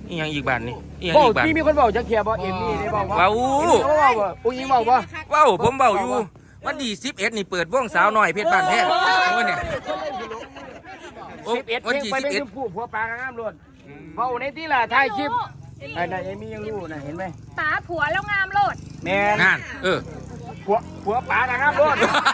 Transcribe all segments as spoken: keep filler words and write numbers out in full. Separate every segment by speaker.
Speaker 1: อีหยังอีกบ้านนี่อีหยัง
Speaker 2: บอก
Speaker 1: อีกบ้าน
Speaker 2: พี่มีคนบอกจะเคลียร์บอกเอ็มมี่ได้บอกว่า
Speaker 1: ว้าว
Speaker 2: เขาบอกว่าอุ้งยิงบอกว่า
Speaker 1: ว้าวผมเบาอยู่วันที่สิบเอ็ดนี่เปิดวงสาวน้อยเพชรบ้านแท้โอ้เนี่ยโอ้
Speaker 2: สิบเอ็ด
Speaker 1: วัน
Speaker 2: เพลง
Speaker 1: ที่
Speaker 2: ไป
Speaker 1: สิบ
Speaker 2: เป็น
Speaker 1: เอ็ด
Speaker 2: ชมพู่ผัวปลางามล้วนเบาในที่ล่ะถ่ายคลิปไอ้นายเอ็มมี่ยังรู้นะเห็นไหม
Speaker 3: ตาผัวแล้วงามโลด
Speaker 2: แม่
Speaker 1: งานเออ
Speaker 2: ผัวผัวปลางามล้วน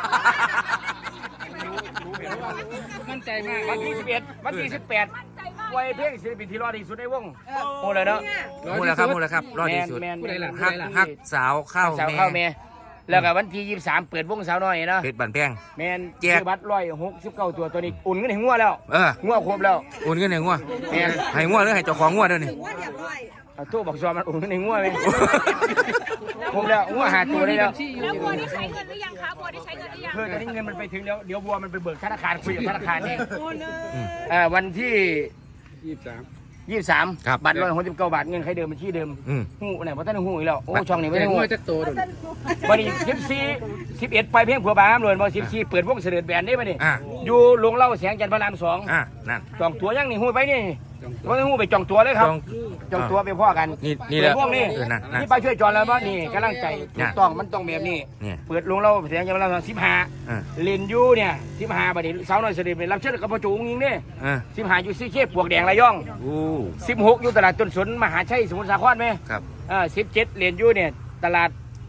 Speaker 4: มั่นใจมาก
Speaker 2: วันที่สิบเอ็ดวันที่สิบแปด
Speaker 3: มั่นใจมาก
Speaker 2: ไว้เพลงศิลปินที่รอดที่สุดในวงโอ้เลยเนาะ
Speaker 1: มูลครับมูลครับรอดที่สุด
Speaker 2: แมน
Speaker 4: ผู้ใดล่ะ
Speaker 1: ฮักฮักสาวข้าว
Speaker 2: สาว
Speaker 1: แม่
Speaker 2: เข้าแม่แล้วก็วันที่ยี่สิบสามเปิดวงสาวน้อยเนาะ
Speaker 1: เพชรบ้านแพง
Speaker 2: แมน
Speaker 1: แจก
Speaker 2: ซื้อบัตรร้อยหกสิบเก้าตัวตัวนี้อุ่นเงินให้งัวแล้ว
Speaker 1: เออ
Speaker 2: งัวครบแล้ว
Speaker 1: โอนเงินให้งัว
Speaker 2: แม่น
Speaker 1: ให้งัวหรือให้เจ้าของงัวเด้อนี่
Speaker 2: เอาตู้บอกซอมันอุ่นเงินให้งัวไหมครบแล้วงัวหาตัวได้แล้ว
Speaker 3: แล้วบัวได้ใช้เงินหรือยังคะบัวได้ใช้เงินหรือยัง
Speaker 2: เพื่อตอนนี้เงินมันไปถึงแล้วเดี๋ยวบัวมันไปเบิกธนาคารคุยกับธนาคารเองอ่าวันที่
Speaker 4: ยี่สิบสาม
Speaker 2: ยี่สิบสามบัตรร้อยหกสิบเก้าบาทเงินใครเดิมบัญชีเดิม
Speaker 1: อืม
Speaker 2: หูไหนว่าท่านหูอีกแล้วโอ้ช่องนี้ไม่
Speaker 4: แต่
Speaker 2: ได้หู
Speaker 4: งวดจะโตดู
Speaker 2: วันนี้สิบสี่สิบเอ็ดไปเพียงผัวบางเลยวันสิบสี่เปิดวงเสด็จแบนได้ไหมนี่
Speaker 1: อ่ะ
Speaker 2: อยู่โรงเหล่าแสงจันทร์พระรามสอง
Speaker 1: อ่ะนั่น
Speaker 2: จองตัวยังนี่หูไปนี่ว่าหูไปจองตัวเลยครับ
Speaker 1: จอง
Speaker 2: จองตัวไปพ่อกัน
Speaker 1: นี่นี่แหละ
Speaker 2: เปิดวงนี่
Speaker 1: เออนั่นนั่น
Speaker 2: นี่ไปช่วยจอนแล้วว่านี่กำลังใจถูกต้องมันต้องแบบนี้
Speaker 1: เนี่ย
Speaker 2: เปิดโรงเหล่าแสงจันทร์พระรามสิบห้า
Speaker 1: อ่ะ
Speaker 2: เล่นยูเนี่ยสิบห้าบัดนี้สาวน้อยเสด็จเป็นรับเชิญกับพ่อจูงยิงเนี่ย
Speaker 1: อ่ะ
Speaker 2: สิบห้าอยู่ซีเค้ปวกแดงระยอง
Speaker 1: อู้
Speaker 2: สิบหกอยู่ตลาดต้นสนมหาชัยสมุทรสาครไหม
Speaker 1: ครับ
Speaker 2: เออสิบเจ็ดเหรียญยูเนี่ยตลาด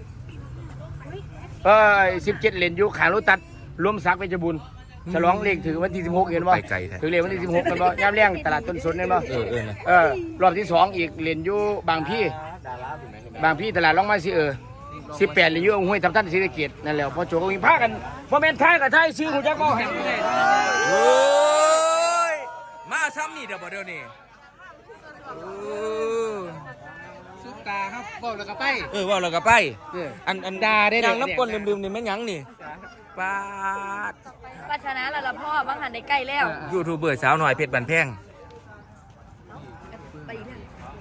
Speaker 2: เออสิบเจ็ดเหรียญยูขาลุตัดรวมสักดิ์เวชบุญฉลองเลขถือวันที่สิบหกเห็นบ่
Speaker 1: ไปไกลแท้
Speaker 2: ถือเลขวันที่สิบหกกันบ่ย่ำเลี้ยงตลาดต้นสนเห็นบ่
Speaker 1: เออเออนะ
Speaker 2: เออรอบที่สองอีกเหรียญยูบางพี่บางพี่ตลาดล่องไม้สิเออสิบแปดเหรียญยูเอาห้วยทับท่านศรีสะเกษนั่นแหละพอโจก็มีพากันพอแม่นท้ายกับท้ายซื้อหูจักก็แห่งนี้
Speaker 1: โอ้ยมาซ้ำนี่เดี๋ยวบ่เดี๋ยวนี้โอ้
Speaker 4: ซุปตาครับบอกแล้วก็ไป
Speaker 1: เออว่าเราก็ไป
Speaker 4: เออ
Speaker 1: อันอัน
Speaker 4: ด่าได้
Speaker 1: นาง
Speaker 4: เด็ก
Speaker 1: น้ำก้นลืมๆนี่แม่นหยังนี่ปาด
Speaker 3: ปัชนะละละพ่อบางหันได้ใกล้แล้ว
Speaker 1: ยูทูบเบอร์สาวหน่อยเพชรบันแพง
Speaker 3: ไปเนี่ย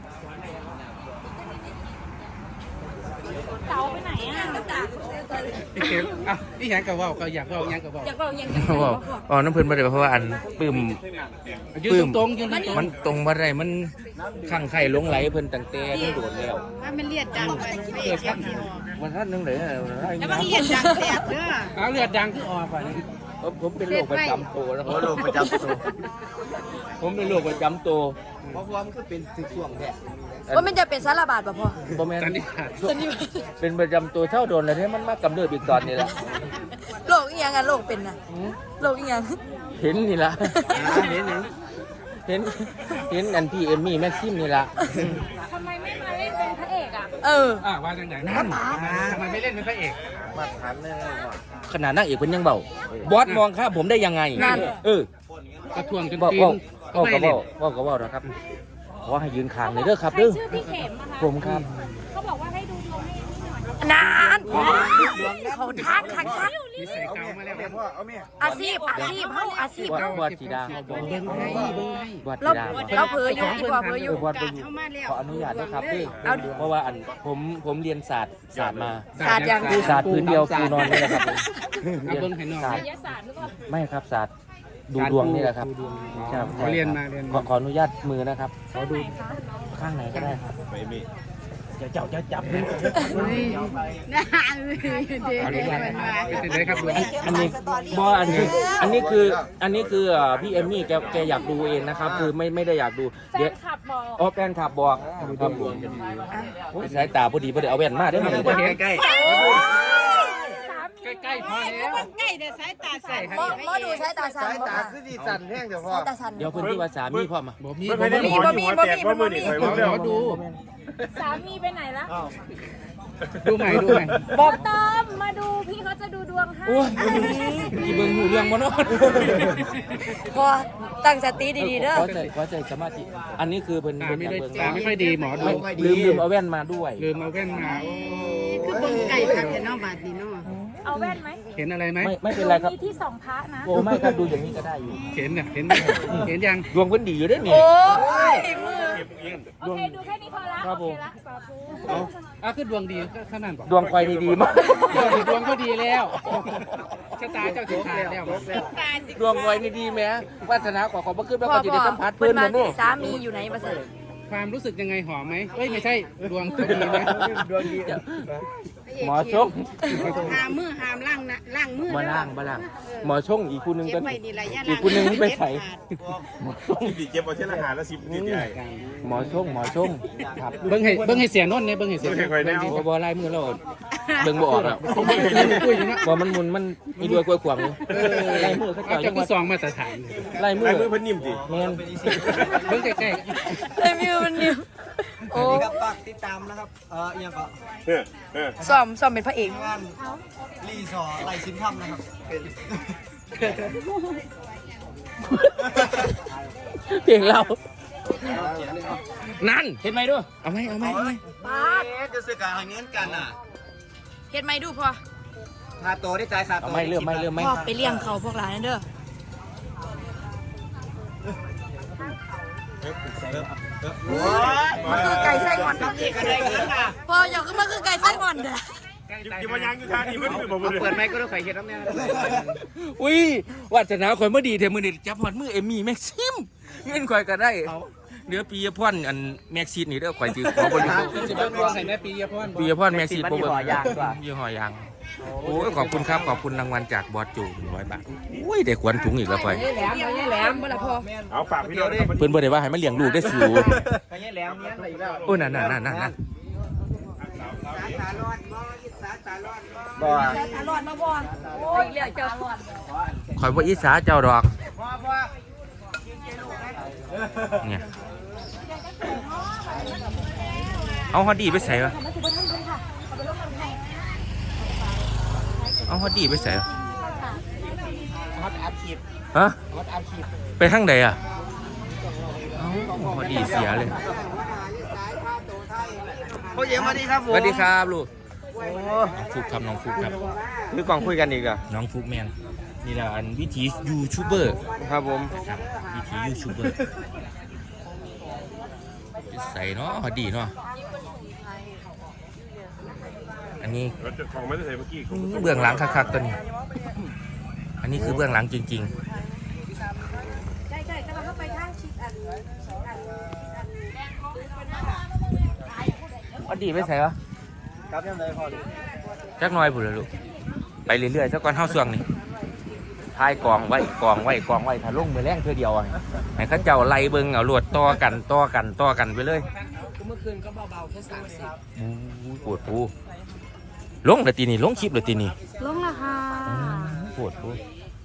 Speaker 3: เต๋าไปไหนอ่ะ
Speaker 4: พี่เข็มอ่ะพี่หยังกับว่าก็อยากว่าหยังกับว่า
Speaker 3: อยากบอกยังไง
Speaker 1: เขาบอกอ๋อน้ำเพิ่นมาได้เพราะว่าอันปื้ม
Speaker 4: ยืนตรงๆยืนตรง
Speaker 1: มันตรงบ่ได้มันข้างไข่หลงไหลเพิ่นตั้งแต่มันโดดแล้ว
Speaker 5: ว่ามันเลียดดังไปพระเอกแค่นี้
Speaker 1: วันท่านนึงเลย
Speaker 5: แล้วมันเลียดดังแสบเด้อ
Speaker 4: ๆเอาเลือดดังคือออกไป
Speaker 1: ผมเป็นโรคประจำตัวแล้วโรคประจำตัวผมเป็นโรคประจำตัวเพราะว่ามันก็เป็นสิช่วงแท้
Speaker 3: ว่ามันจะเป็นสารบาดป่ะพ่อ
Speaker 1: บ่แม่น
Speaker 4: สันนิษฐาน
Speaker 1: เป็นประจำตัวเท่าโดนแล้วที่มันมากำเนิดอีกตอนนี้แหละ
Speaker 3: โรคอีหยังอะโรคเป็นน่ะโรคอีหยัง
Speaker 1: เห็นนี่ละเห็นเห็นเห็นอันพี่เอมมี่แม็กซิมนี่ละ
Speaker 3: ทำไมไม่มาเล่นเป็นพระเอกอ่ะ เออ
Speaker 4: อ่าว่าจังไหนนั่นทำไมไม่เล่นเป็นพระเอก
Speaker 1: ขนาดนั่งเอกเป็นยังเบาบอสมองข้ามผมได้ยังไง
Speaker 3: นั่น
Speaker 1: เออก
Speaker 4: ระทวงจน
Speaker 1: บอก
Speaker 4: ปี
Speaker 1: บอก
Speaker 4: น
Speaker 1: บอก
Speaker 4: ไม่
Speaker 1: ก็บ
Speaker 4: เล่
Speaker 1: อน กบอกก็บอกนะครับขอให้ยืนคางเลยเด้อครับ
Speaker 3: ใคร
Speaker 1: เด้อ
Speaker 3: ชื่อพี่เข็มอะคะ
Speaker 1: ผมครับ
Speaker 3: เขาบอกว่าให้ดูดวงให้นี่หน่อยนานเขาทักทักทัก
Speaker 4: นิสัยเก่ามาแล้ว
Speaker 3: อาชีพอาชีพเขาอาชีพ
Speaker 1: บอส
Speaker 3: เขา
Speaker 1: บอสจีดาเขาบอก
Speaker 4: เบิ่งให้เบิ่งให้
Speaker 1: บอส
Speaker 3: เรา
Speaker 1: จีดาบอก
Speaker 3: เราเผลออยู่อีกว่าเผลออยู่
Speaker 1: บอสไปอยู่ขออนุญาตนะครับเด้อเพราะว่าอันผมผมเรียนศาสตร์ศาสตร์มา
Speaker 3: ศาสตร์อย่าง
Speaker 1: ศาสตร์พื้นเดียวปูนอนนี่แหละครับ
Speaker 4: เอาเบิ่งให้น้อง
Speaker 1: ศาสตร์
Speaker 3: ยศาสตร์หรือเปล่า
Speaker 1: ไม่ครับศาสตร์ดูดวงนี่แหละครับ
Speaker 4: ดูดวง
Speaker 1: ครับ
Speaker 4: ขอเรียนมาเรียน
Speaker 1: ขอ
Speaker 4: มา
Speaker 1: ขออนุญาตมือนะครับ
Speaker 3: ข้างไหนคะ
Speaker 1: ข้างไหนก็ได้ครับจะเจ้าจะจับ
Speaker 5: นะเด็กมันมา
Speaker 4: เป็นไงครับดวง
Speaker 1: อันนี้บออันนี้อันนี้คืออันนี้คืออ่าพี่เอมมี่แกแกอยากดูเองนะครับ คือไม่ไม่ได้อยากดู
Speaker 3: แฟ
Speaker 1: เดี๋ยวน
Speaker 3: คลับบอก
Speaker 1: อ๋อแฟนขับบอกครับผมโอ้ยสายตาพอดีพอดีเอาแว่นมาได้ไหม
Speaker 4: ใกล้
Speaker 3: สามี
Speaker 4: ใกล้ๆพอแล้ว
Speaker 5: ใกล้แต่สายตาใส่
Speaker 3: หมอหมอดูใช้ตาสันบ่ค่ะ
Speaker 6: สั่นแห้งเดี๋ยวพ่อ
Speaker 3: ใช้ตาสัน
Speaker 1: เดี๋ยวเพิ่นที่ว่าสามีพ่อมา
Speaker 4: บ่มี
Speaker 6: ไม่
Speaker 4: บ่
Speaker 6: ได้
Speaker 4: มี
Speaker 6: หมอหัวแตกว่ามือนี่เคยว่า
Speaker 4: ขอดู
Speaker 3: สามีไปไหนละ
Speaker 4: ดูใหม่ดูใหม่
Speaker 3: บอกตามมาดูพี่เขาจะดูดวงให้
Speaker 1: โอ้ยกี่เบิ่งหูเรื่องบ่เนาะ
Speaker 3: พอตั้งสติดีๆเด้อ
Speaker 1: ขอใจขอใจสมาธิอันนี้คือเพิ่น
Speaker 4: ตา
Speaker 1: เพิ่น
Speaker 4: ไม่
Speaker 1: อยาก
Speaker 4: ได้
Speaker 1: เบิ่ง
Speaker 4: ตาไม่ค่อยดีหมอดู
Speaker 1: ไม่ลืมลืมเอาแว่นมาด้วย
Speaker 4: ลืมเอาแว่นมา
Speaker 5: คือเบิ่งไก่คักแต่นอกบาดนี่เนาะ
Speaker 3: เอาแว่นไหม
Speaker 4: เห็นอะไรไหม
Speaker 1: ไม่ไม่เป็นไรครับ
Speaker 3: มีที่สองพระนะ
Speaker 1: โอ้ไม่ครับดูอย่างนี้ก็ได้อยู่
Speaker 4: เห็นเนี่ยเห็นไหมเห็นยัง
Speaker 1: ดวงเพิ่นดีอยู่เด้อนี่
Speaker 3: โอ้ยมือโอเคดูแค่นี้พอละ
Speaker 1: ครับ
Speaker 3: โอ
Speaker 1: ผม
Speaker 3: เคละสาธุ
Speaker 4: เอาอ่ะคือดวงดีก็ขนาดบอก
Speaker 1: ดวงควายนี่ดีมาก
Speaker 4: ดวงก็ดีแล้วชะตาเจ้าสิขาดแล้ว
Speaker 1: ดวงควายนี่ดีแหมวาสนาขอขอบพระคุณพระ
Speaker 3: พ่อ
Speaker 1: คุณจะ
Speaker 3: พ่
Speaker 1: ได้
Speaker 3: อ
Speaker 1: สัมผัส
Speaker 3: เพิ่
Speaker 1: เพิ่
Speaker 3: น
Speaker 1: น
Speaker 3: มา
Speaker 1: มาโน่
Speaker 3: สามีอยู่ไหนมาเสร็จ
Speaker 4: ความรู้สึกยังไงหอมไหมเอ้ยไม่ใช่ดวงเขาดีไหม
Speaker 6: ดวงดี
Speaker 1: หมอชง
Speaker 5: หามมือหามล่างนะล่างมือ
Speaker 1: มาล่างมาล่างหมอชงอีกคู่หนึง
Speaker 5: เก็
Speaker 1: ก็
Speaker 5: บไว้นี่ละย่า
Speaker 1: อีกคู่หนึงไปใส่
Speaker 6: ที่ดีเก็บเอาเช่นอาหารแล้วสิบนิดใหญ่
Speaker 1: หมอชงหมอชงครับ
Speaker 4: เบิ้งให้เบิ้งให้เสียนนท์เนี่ยเบิ้งให้เสียนนท์
Speaker 6: เคยแนว
Speaker 1: บ่บ่ไล่มือเราเบิ่งบ่ออกแล้ว
Speaker 4: คุยอยู่นะ
Speaker 1: บ่มันมุนมันมีด้วยกล้วยขวางอยู่ไล่มือเขา
Speaker 4: เอา
Speaker 1: เจ้า
Speaker 4: จะ
Speaker 1: ยัง
Speaker 4: ก็
Speaker 1: ว่า
Speaker 4: ซองมาตรฐาน
Speaker 1: ไล่มือ
Speaker 6: ลายมือเพิ่นนิ่มสิ
Speaker 1: แม่น
Speaker 4: เบิ้งใกล้
Speaker 3: ไอ้มิวมันนิ่มโอ้
Speaker 7: ครับฝากติดตามนะครับ เอ่ออหยังก็
Speaker 6: เออเออ
Speaker 3: ซ้อมซ้อมเป็นพระเอก
Speaker 7: งานรีสอร์ทไลชินทำนะครับเป็น
Speaker 1: เพลงเรานั่นเห็นไหมดูเอาไหมเอาไหมเอาไหม
Speaker 3: ป้าด
Speaker 7: เอ๊ะจะซื้อการเงินกันอ่ะ
Speaker 3: เฮ็ดไหมดูพอ
Speaker 7: ค่าตัวได้จ่ายค่า
Speaker 1: เอา
Speaker 7: ตัว
Speaker 1: ไหมเริ่มไหมเริ่มไหม
Speaker 3: พ่อไปเลี้ยงเขาพวกหลานนั่นเด้อ มันคือไก่ไส้หอนพ่ออยากขึ้นมาคือไก่ไส้หอนเด้อ
Speaker 6: กินมายางอยู่ท่านี้เพิ่นคือบ่บ่
Speaker 4: ๆเปิดไมค์ก็ต้องใส่เห็ดน้ำเนี่ย
Speaker 1: อุ้ยวาสนาข่อยเมื่อดีเทมือนี่จับหอดมือเอมี่แม็กซิมเงินข่อยก็ได้เดี๋ยวปีพรอันแม็กซิสนี่เด้อข่อยจือขอบริจาค
Speaker 4: จะเป็นดวงให้แม่ปียพร
Speaker 1: ปีพรแม็กซิสโปรเบิร์ยี่ห้อยางโอ้ยขอบคุณครับขอบคุณรางวัลจากบอสจูหนึ่งร้อยบาทอุ้ยได้ขวัญถุงอีกแล้วข่อย
Speaker 3: แหลมแหลมบ่ล่ะพ่อ
Speaker 6: เอาฝากพี่น้องนะครับ
Speaker 1: เพิ่นบ่ได้ว่าให้มาเลี้ยงลูกได้สู
Speaker 7: ไปเนี่ยแหล้วเนี่ยอะไรอีกแล้ว
Speaker 1: โอ้นั่นนั่นนั่นนั่น
Speaker 7: บ่
Speaker 3: ตลอดมาบ่โอ้ยเหลือเจ้าหอด
Speaker 1: ข่อยบ่อิจฉาเจ้าดอก
Speaker 7: พ่อพ่อ
Speaker 1: เนี่ยเอาฮอดดีไปใส่วะเอาฮอดดีไปใส่วะ
Speaker 7: ฮอตอาชีพ
Speaker 1: ฮะ
Speaker 7: ฮอตอาชีพ
Speaker 1: ไปทางใดอ่ะเอ้าฮอดดีเสียเลย
Speaker 7: พ่อเยี่ยมมาดีครับผ
Speaker 1: ส
Speaker 7: ม
Speaker 1: วัสดีครับลูก
Speaker 7: โอ้
Speaker 1: น้องฟุกครับน้องฟุกครับ
Speaker 7: คือกล่องคุยกันอีกอ่ะ
Speaker 1: น้องฟุกแมนนี่แหละอันวิถียูทูบเบอร์
Speaker 7: ครับผม
Speaker 1: ครับวิถียูทูบเบอร์ใส่เนาะฮอดดีเนาะอันนี้
Speaker 6: ของไม่ได้ใส่เมื่อกี้
Speaker 1: เบื้องหลังคักๆตัวนี้ อันนี้คือเบื้องหลังจริง
Speaker 3: ใช่ๆกำลังเข้าไปทางชิดอัน
Speaker 1: ๆฮอดดีไปใส่วะ
Speaker 7: ครับยังไงพ่อ
Speaker 1: จักหน้อยพุ่นละลูกไปเรื่อยๆสักก่อนเฮาส่วงนี่ทายกองไว้กองไว้กองไว้ถ้าลงมือแรงเทื่อเดียวอะให้เขาเจ้าไล่เบิ่งเอาลวดต่อกันต่อกันต่อกันไปเลย
Speaker 4: เมื่อคืนก็เบาๆแค่สามสิบ
Speaker 1: อู้ปวดปูลงเลยตีนี่ลงคลิปเลยตีนี่
Speaker 3: ลงละค่ะ
Speaker 1: ปวดปู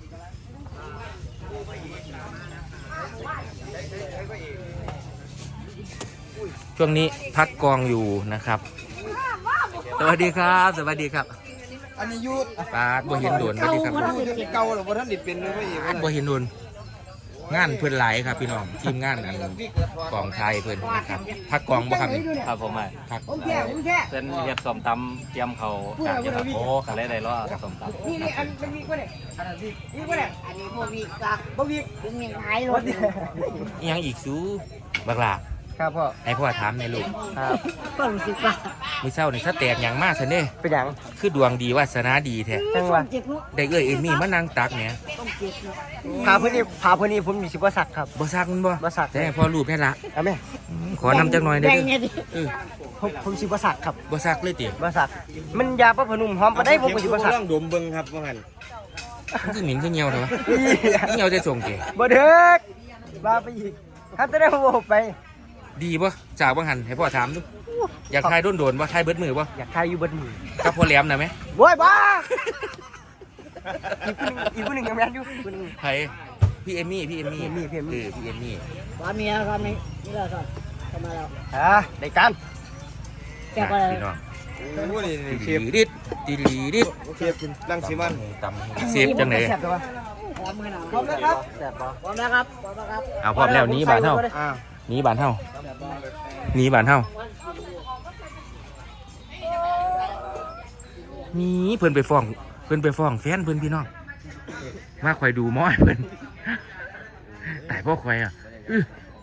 Speaker 1: ช่วงนี้พักกองอยู่นะครับสวัสดีครับสวัสดีครับ
Speaker 7: อันนี้ยุทธ
Speaker 1: ปาดบ่เห็นโดนสวัสดีครับ
Speaker 7: เก่าหรือว่าท่านดิเป็นหรือว่าอีก
Speaker 1: ปาดบ่เห็นโดนงานเพื่อนหลายครับพี่น้องทีมงานอันกองไทยเพื่อนนะครับพักกองบ่ครับ
Speaker 8: ครับผมอ่ะ
Speaker 1: พัก
Speaker 7: ผมแค่ผมแค่
Speaker 8: เส้นเรียบสมตำเตรียมเขากางอยู่ครับ
Speaker 1: โอ้
Speaker 8: กะเลยได้รอสมตำ
Speaker 7: นี่นี่อันเป็นวิกวะเนี่ยอันนั้นวิกวิกวะเนี่ย
Speaker 5: อันนี้พวกวิกลัก
Speaker 7: บ่วิก
Speaker 5: ดึงยังหายรถ
Speaker 1: อิหยังอีกซูบักหลา
Speaker 7: ครับพ่อ
Speaker 1: ให้พ่อถามในอยลูก
Speaker 7: ครับ
Speaker 5: ก็รู้สึกว่า
Speaker 1: มื้อเช้านี่ถ้าแตกหยังมากซะเด้
Speaker 7: เป็นหยัง
Speaker 1: คือดวงดีวาสนาดีแท้
Speaker 7: จังหวะ
Speaker 5: เจ็บนุ๊ก
Speaker 1: ได้เอ้ยเอมี่มานั่งตักเนี่ย
Speaker 5: ต้องเจ็บนุ๊ก
Speaker 7: พาเพื่อนนี่พาเพื่อนนี่ผมมีสิบวัสักครับ
Speaker 1: บ่ซักมันบ่
Speaker 7: บ่ซัก
Speaker 1: แต่ให้พ่อรูปแค่ละ
Speaker 7: เอาไหม
Speaker 1: อืมขอนำจักหน่อยได้
Speaker 5: แด
Speaker 1: เด้
Speaker 5: ง
Speaker 1: อ
Speaker 5: เนี่ยดิ
Speaker 1: เออ
Speaker 7: ผมผมสิบวัสักครับ
Speaker 1: บ่ซักเลยติ
Speaker 7: วัสักมันยาปะพนุ่มหอมปะได้ผมก็สิบวัสัก
Speaker 6: ดมเบิ่งครับว่างั้น
Speaker 1: มันคือหมิ่นคือเหี่ยวเถอะวะเหี่ยวจะส่งเก
Speaker 7: บ่เด็กบ้าไปอีกฮัตจะได้โมไป
Speaker 1: ดีบ่จากบ่หันให้พ่อถามดูอยากทายโดนๆบ่ทายเบิดมือบ่
Speaker 7: อยากทายอยู่บนมือ
Speaker 1: กับพ่อแหลมน่ะแม่
Speaker 7: โว้ยบ้าอีกคนหนึ่งอีกคนหนึ่งยังแม่นอยู่อีกคนหนึ่ง
Speaker 1: ไผพี่เอมี่พี่เอมี่
Speaker 7: พี่เอมี่พี่เอมี่
Speaker 1: เออพี่เอมี่
Speaker 5: ว่าเมียครับนี่นี่แหละครับเข้ามาแล้ว
Speaker 7: อ่าได้กัน
Speaker 5: แกก็เลย
Speaker 1: พี่น้อง
Speaker 6: โอ้นี่
Speaker 1: เชฟดิดดิดดิด
Speaker 6: เทียบกินรังสีมัน
Speaker 1: ตำเสียบจังได๋
Speaker 7: แซ่บตัว
Speaker 5: พร้อมกันนะ
Speaker 7: พร้อมแล้วครับแซ่บปะ
Speaker 5: พร้อมแล้วครับพร้อมแล้วครับ
Speaker 1: เอาพร้อมแล้วหนี้บานเฮา
Speaker 7: อ่า
Speaker 1: หนีบานเฮาหนีบานเฮามีเพิ่นไปฟ้อง เพิ่นไปฟ้องแฟนเพิ่นพี่น้องมาคอยดูหม้อยเพิ่นแต่พ่อคอยอ่ะอื้อ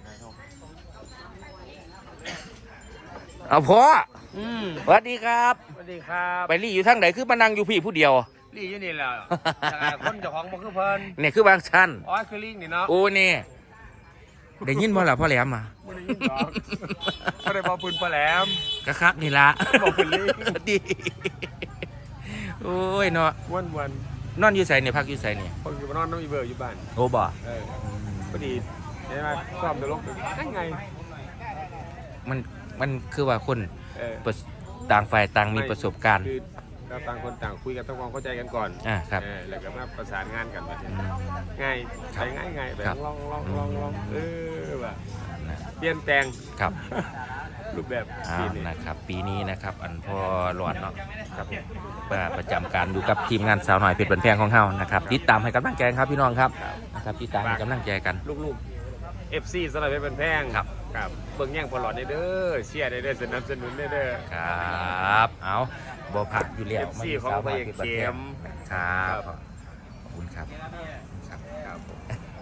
Speaker 1: เอาพ่อ
Speaker 6: อืม
Speaker 1: สวัสดีครับ
Speaker 6: สวัสดีครับ
Speaker 1: ไปรี่อยู่ทางไหนคือมานั่งอยู่พี่ผู้เดียว
Speaker 6: ลี่อยู่นี่แหละจากคนเจ้าของบ่คือเพิ่น
Speaker 1: เนี่ยคือบางชั้น
Speaker 6: อ๋อคือลิงนี่เนาะ
Speaker 1: โอ้เนี่ยได้ยินบ่ล่ะพ่อแหลมอ่ะ
Speaker 6: ไม่ได้ยินหรอกไม่ได้บอกปืนปลาแหลม
Speaker 1: กะคักนี่ละ
Speaker 6: บอกปืนลิง
Speaker 1: ดีโอ้ยเนาะ
Speaker 6: วันวัน
Speaker 1: นอนอยู่ไสเนี่ยพักอยู่ไสเนี่ย
Speaker 6: คนอยู่บ้านนอนน้องอีเบอร์อยู่บ้าน
Speaker 1: โอ้บ่
Speaker 6: เออพอดีใช่ไหมซ้อมตลกนั่งไง
Speaker 1: มันมันคือว่าคน
Speaker 6: เออ
Speaker 1: ประสต่างฝ่ายต่างมีประสบการณ์
Speaker 6: คือเราต่างคนต่างคุยกันต้องความเข้าใจกันก่อน
Speaker 1: อ่าครับ
Speaker 6: เออแล้วก็มาประสานงานกันแบบ
Speaker 1: อื
Speaker 6: นี้
Speaker 1: ม
Speaker 6: ง่ายใช้ง่ายง่ายแบบ
Speaker 1: ครับ
Speaker 6: ลองลองลองลองเออแบบ
Speaker 1: นะ
Speaker 6: เปลี่ยนแปลง
Speaker 1: ครับ
Speaker 6: รูปแบบ
Speaker 1: อ้า
Speaker 6: ปี
Speaker 1: ว
Speaker 6: นี้
Speaker 1: นะครับปีนี้นะครับอันพอหลอดเนาะครับประจำการอยู่กับทีมงานสาวหน่อยเพชรบันแพงของเฮานะครับติดตามให้กำลังใจครับพี่น้องครับนะครับติดตามให้กำลังใจกัน
Speaker 6: ลูกๆ เอฟ ซี สำหรับเป็นแพง
Speaker 1: ครับ
Speaker 6: ครับเบิ่งแย่งพอหลอดได้เด้อเชียร์ได้เด้อสนับสนุนได้เด้อ
Speaker 1: ครับเอาบ่ผักอยู่แล้ว
Speaker 6: เอฟซีของพระเอกเข้ม
Speaker 1: ครับขอบคุณครับครับ
Speaker 6: ครับผม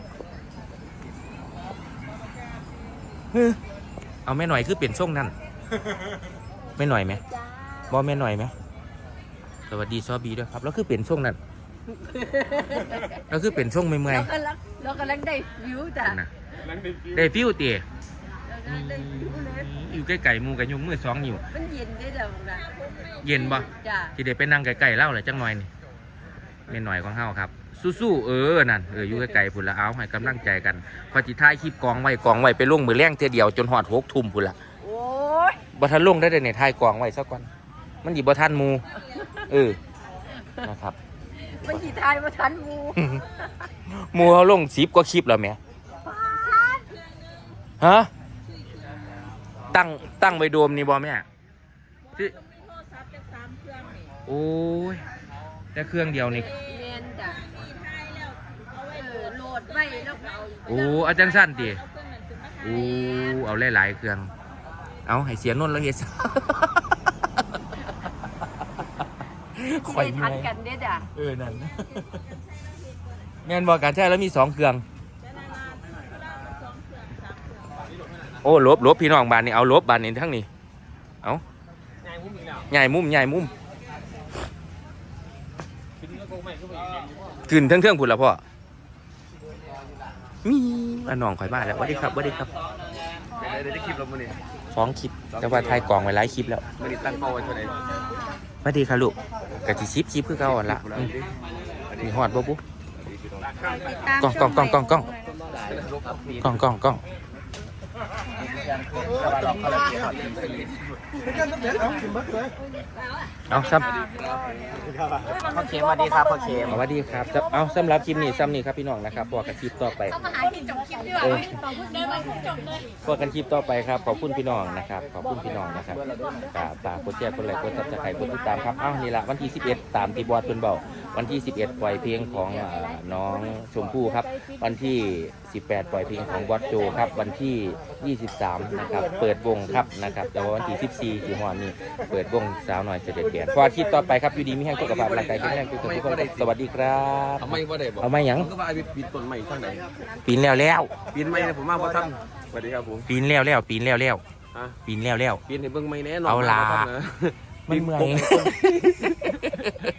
Speaker 1: เฮ้ยเอาแม่หน่อยคือเปลี่ยนช่วงนั้นแม่หน่อยไหมบอแม่หน่อยไหมสวัสดีซอบีด้วยครับแล้วคือเปลี่ยนช่วงนั้นแล้วคือเปลี่ยนช่วงเมื่อย
Speaker 3: เรากำลังเรากำลังได้ฟิวจ้ะ
Speaker 1: ๆนะ
Speaker 6: หลังได้ฟิว
Speaker 1: ได้ฟิวเตี๋ย
Speaker 3: เรากำลังได้ฟิวเลย
Speaker 1: อยู่ใกล้ๆหมูกับยมมือสองอยู่
Speaker 3: มันเย็นได้แล้วนะ
Speaker 1: เย็นบ่
Speaker 3: จ้ะ
Speaker 1: ที่ได้ไปนั่งไกลๆเล่าเลยจังหน่อยนี่แม่หน่อยของเฮาครับสู้ๆเออนั่นเอออยู่ไกลๆพุ่นละเอาให้กำลังใจกันพอจิท้ายคลิปกองไว้กองไว้ไปลงมือแรงเทียเดียวจนหอดหกทุ่มพุ่นละ
Speaker 3: โอ้ย
Speaker 1: บ่ทันลงได้เลยในท้ายกองไว้ซะก่อนมันหยิบ่ทันหมูเออนะครับ
Speaker 3: มันกี่ทายมาทันหมู
Speaker 1: หมูเขาลงสิบกว่าคลิปแล้วแหม่ฮะตั้งตั้งไว้โดมนี่บ่แม่ที่โอ้ยแต่เครื่องเดียวนี่
Speaker 3: เรียนจ้ะเออโหลดไว้แล้วก็เอา
Speaker 1: โอ้อาจารย์สั้นดิโอ้เอาหลายๆเครื่องเอาให้เสียนนท์แล้วเฮ็ด
Speaker 3: ไม่ทันกันเด้อจ้ะ
Speaker 1: เออนั่นแม่นบอกการใช้แล้วมีสองเครื่องโอ้ลบลบพี่น้องบานนี่เอาลบบานนี่ทั้งนี้เอาใหญ่มุมใหญ่มุมขึ้นทั้งเทื่องผุดละพ่อมีอันน้องข่อยมาแล้วสวัสดีครับสวัสดีครับ
Speaker 6: เดี๋ยวจะคลิปเรามื่อนี้
Speaker 1: ฟ้องคลิปแต่ว่าถ่ายกล่องไว้หลายคลิปแล้ว
Speaker 6: มื่อนี้ตั้งเป้าไว้เท่าไหร่
Speaker 1: สวัสดีค่ะลูกกะทิชิปชิปคือเก่าอ่อนละอืมมีหอดบ่ปุ๊กล้องกล้องกล้องกล้องกล้องกล้องกล้องกล้องเอาซ้ำ
Speaker 7: พ่อเข็มสวัสดีครับพ่อเข็ม
Speaker 1: สวัสดีครับจะเอาสำหรับคลิปนี้ซ้ำนี่ครับพี่น้องนะครับพอกันคลิปต่อไป
Speaker 3: เข้ามาหาที่จบคลิปดีกว่า
Speaker 1: เออ
Speaker 3: เดินมาจบเลย
Speaker 1: พอกันคลิปต่อไปครับขอบคุณพี่น้องนะครับขอบคุณพี่น้องนะครับฝากฝากกดแชร์กดไลค์กดซับสไครต์กดติดตามครับเอ้านี่ละวันที่สิบเอ็ดตามที่บอสเพิ่นเบาวันที่สิบเอ็ดปล่อยเพลงของอ่าน้องชมพู่ครับวันที่สิบแปดปล่อยเพลงของบอสโจครับวันที่ยี่สิบสามนะครับเปิดวงครับนะครับแต่ว่าวันที่สิบสี่สิงหาคมนี้เปิดวงสาวหน่อยเสด็จเบียนพอคลิปต่อไปครับอยู่ดีมีแห้งสุขภาพร่างกายแข็งแรงทุกคนทุกคนครับสวัสดีครับ
Speaker 6: ทำไมว่าได้บอก
Speaker 1: เอาไม่หยัง
Speaker 6: ก็ว่าไอ้ปีนต้นใหม่ข้างไหน
Speaker 1: ปีนแล้วแล้ว
Speaker 6: ปีนใหม่เนี่ยผมมาเพราะท่านสวัสดีครับผม
Speaker 1: ปีนแล้วแล้วปีนแล้วแล้ว
Speaker 6: ฮะ
Speaker 1: ปีนแล้วแล้ว
Speaker 6: ปีนให้เบิ่งไม่แน่นอน
Speaker 1: เอาล่ะ
Speaker 6: ครับนะ
Speaker 1: มันเมื่อย